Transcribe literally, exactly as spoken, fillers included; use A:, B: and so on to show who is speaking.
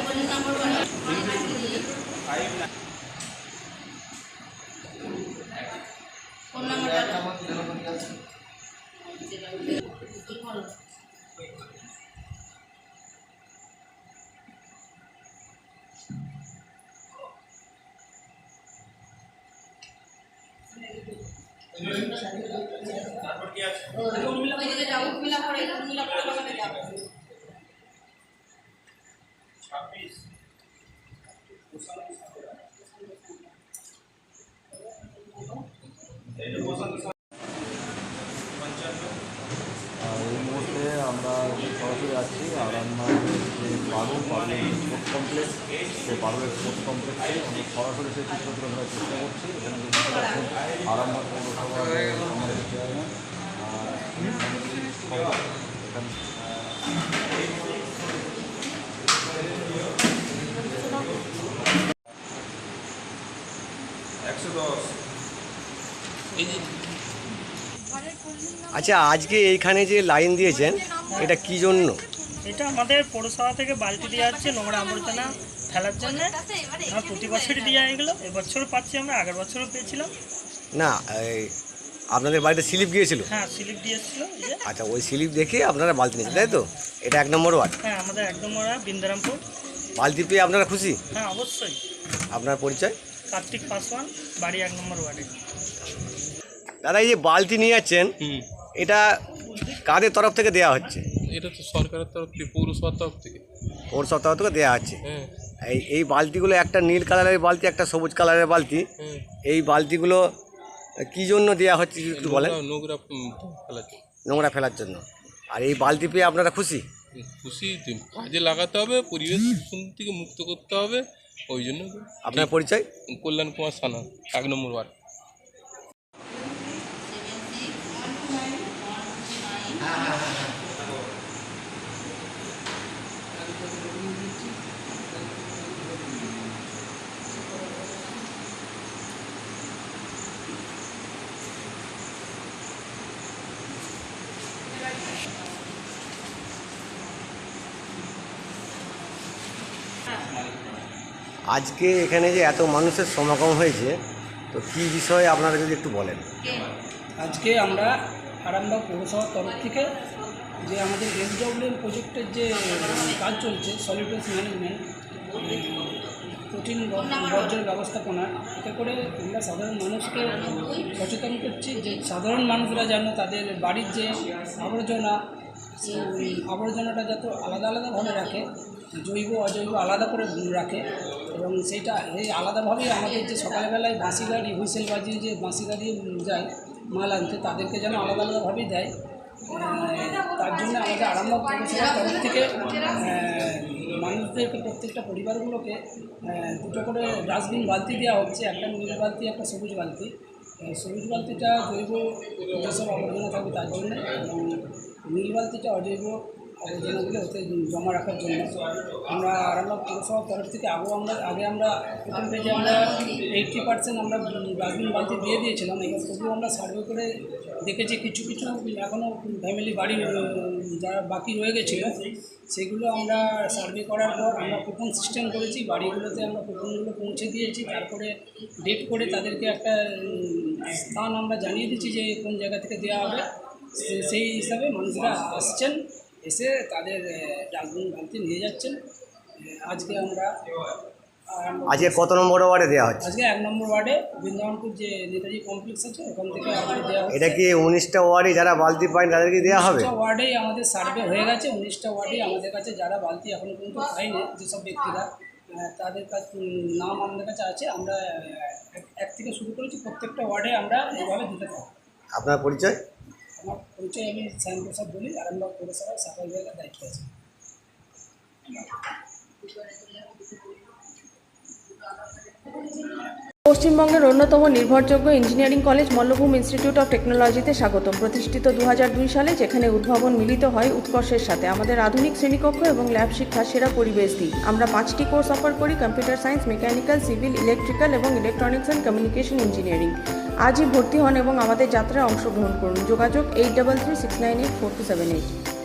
A: এই মুহূর্তে আমরা সরাসরি আছি আরামবাগের যে পারুল পারুলের স্পোর্টস কমপ্লেক্স সেই পারুলের স্পোর্টস কমপ্লেক্সে আমরা সরাসরি সেই চিত্র তুলে ধরার চেষ্টা করছি। এখানে যে দেখতে পাচ্ছেন আরামবাগ পৌরসভার আমাদের চেয়ারম্যান এখানে একশো দশ।
B: আচ্ছা, আজকে এইখানে যে লাইন দিয়েছেন এটা কি জন্য?
C: এটা আমাদের পৌরসভা থেকে বালতি দেওয়া হচ্ছে নোংরা আবর্জনা ফেলার জন্য। আমরা প্রতি বছরই দিয়ে এগুলো, এবছরও পাচ্ছি, আমরা আগের বছরও পেয়েছিলাম।
B: না, আপনাদের বাড়িতে স্লিপ গিয়েছিল?
C: হ্যাঁ, স্লিপ দিয়েছিল।
B: আচ্ছা, ওই স্লিপ দেখে আপনারা বালতি নিয়েছেন, তাই তো? এটা এক নম্বর ওয়ার্ড?
C: হ্যাঁ, আমাদের এক নম্বর ওয়ার্ড বিন্দারামপুর।
B: বালতি পেয়ে আপনারা খুশি?
C: হ্যাঁ, অবশ্যই।
B: আপনার পরিচয়?
C: কার্তিক পাসওয়ান, বাড়ি এক নম্বর ওয়ার্ডে।
B: দাদা, এই যে বালতি নিয়ে যাচ্ছেন এটা কাদের তরফ থেকে দেওয়া হচ্ছে?
D: এটা তো সরকারের তরফ থেকে, পৌরসভার তরফ থেকে।
B: পৌরসভার তরফ থেকে দেওয়া হচ্ছে। এই এই বালতিগুলো একটা নীল কালারের বালতি, একটা সবুজ কালারের বালতি। এই বালতিগুলো কি জন্য দেওয়া হচ্ছে একটু বলেন?
D: নোংরা ফেলার জন্য।
B: নোংরা ফেলার জন্য। আর এই বালতি পেয়ে আপনারা খুশি?
D: খুশি, কাজে লাগাতে হবে, পরিবেশ দূষণ থেকে মুক্ত করতে হবে, ওই জন্য।
B: আপনার পরিচয়?
D: কল্যাণ কুমার সানা, এক নম্বর ওয়ার্ড।
B: আজকে এখানে যে এত মানুষের সমাগম হয়েছে, তো কী বিষয়ে আপনারা যদি একটু বলেন।
E: আজকে আমরা আরামবাগ পৌরসভার তরফ থেকে যে আমাদের এসডব্লিউএম প্রজেক্টের যে কাজ চলছে, সলিড ওয়েস্ট ম্যানেজমেন্ট, কঠিন বর্জ্যের ব্যবস্থাপনা, এতে করে আমরা সাধারণ মানুষকে সচেতন করছি যে সাধারণ মানুষরা যেন তাদের বাড়ির যে আবর্জনা, সেই আবর্জনাটা যাতে আলাদা আলাদাভাবে রাখে, জৈব অজৈব আলাদা করে রাখে, এবং সেইটা এই আলাদাভাবেই আমাদের যে সকালবেলায় বাঁশি গাড়ি হুইসেল বাজিয়ে যে বাঁশি গাড়ি যায় মাল আনতে, তাদেরকে যেন আলাদা আলাদাভাবেই দেয়। তার জন্য আমাদের আরামবাগ পৌরসভার তরফ থেকে মানুষদেরকে, প্রত্যেকটা পরিবারগুলোকে দুটো করে ডাস্টবিন বালতি দেওয়া হচ্ছে, একটা নীল বালতি, একটা সবুজ বালতি। সবুজ বালতিটা জৈব যেসব আবর্জনা থাকবে তার জন্য, এবং নীল বালতিটা অজৈব আবর্জনাগুলো ওতে জমা রাখার জন্য। আমরা আরামবাগ পৌরসভার তরফ থেকে আগেও আমরা আগে আমরা প্রথম পেজে আমরা এইটটি পার্সেন্ট আমরা ডাস্টবিন বালতি দিয়ে দিয়েছিলাম। এবার তবুও আমরা সার্ভে করে দেখেছি কিছু কিছু এখনও ফ্যামিলি বাড়ি যারা বাকি রয়ে গেছিলো, সেগুলো আমরা সার্ভে করার পর আমরা কুপন সিস্টেম করেছি, বাড়িগুলোতে আমরা কুপনগুলো পৌঁছে দিয়েছি। তারপরে ডেট করে তাদেরকে একটা স্থান আমরা জানিয়ে দিচ্ছি যে কোন জায়গা থেকে দেওয়া হবে। সেই হিসাবে মানুষরা আসছেন, এসে তাদের ডাস্টবিন বালতি নিয়ে যাচ্ছেন। আজকে আমরা
B: আজকে কত নম্বর ওয়ার্ডে দেওয়া হচ্ছে?
E: আজকে এক নম্বর ওয়ার্ডে বৃন্দাবনপুর যে নেতাজি কমপ্লেক্স আছে ওখান থেকে আজকে দেওয়া হচ্ছে।
B: এটা কি উনিশটা ওয়ার্ডে যারা বালতি পায় তাদেরকে দেওয়া হবে?
E: উনিশটা ওয়ার্ডেই আমাদের সার্ভে হয়ে গেছে, উনিশটা ওয়ার্ডেই আমাদের কাছে যারা বালতি এখনও পর্যন্ত পায়নি, যেসব ব্যক্তিরা, তাদের কাছে নাম আমাদের কাছে আছে। আমরা এক থেকে শুরু করেছি, প্রত্যেকটা ওয়ার্ডে আমরা এইভাবে দিতে থাকি। আপনার পরিচয়? আমার পরিচয়, আমি শ্যাম প্রসাদ বলি, আরামবাগ পৌরসভার সাফাই বিভাগের দায়িত্ব আছে।
F: পশ্চিমবঙ্গের অন্যতম নির্ভরযোগ্য engineering college Mallabhum institute of টেকনোলজিতে স্বাগতম। প্রতিষ্ঠিত দু হাজার দুই সালে, যেখানে উদ্ভাবন মিলিত হয় উৎকর্ষের সাথে। আমাদের আধুনিক শ্রেণীকক্ষ এবং ল্যাব শিক্ষা সেরা পরিবেশ দিই। আমরা পাঁচটি কোর্স অফার করি: computer science, mechanical, civil, electrical এবং ইলেকট্রনিক্স অ্যান্ড কমিউনিকেশন ইঞ্জিনিয়ারিং। আজই ভর্তি হন এবং আমাদের যাত্রায় অংশগ্রহণ করুন। যোগাযোগ eight double three six nine eight four two seven eight.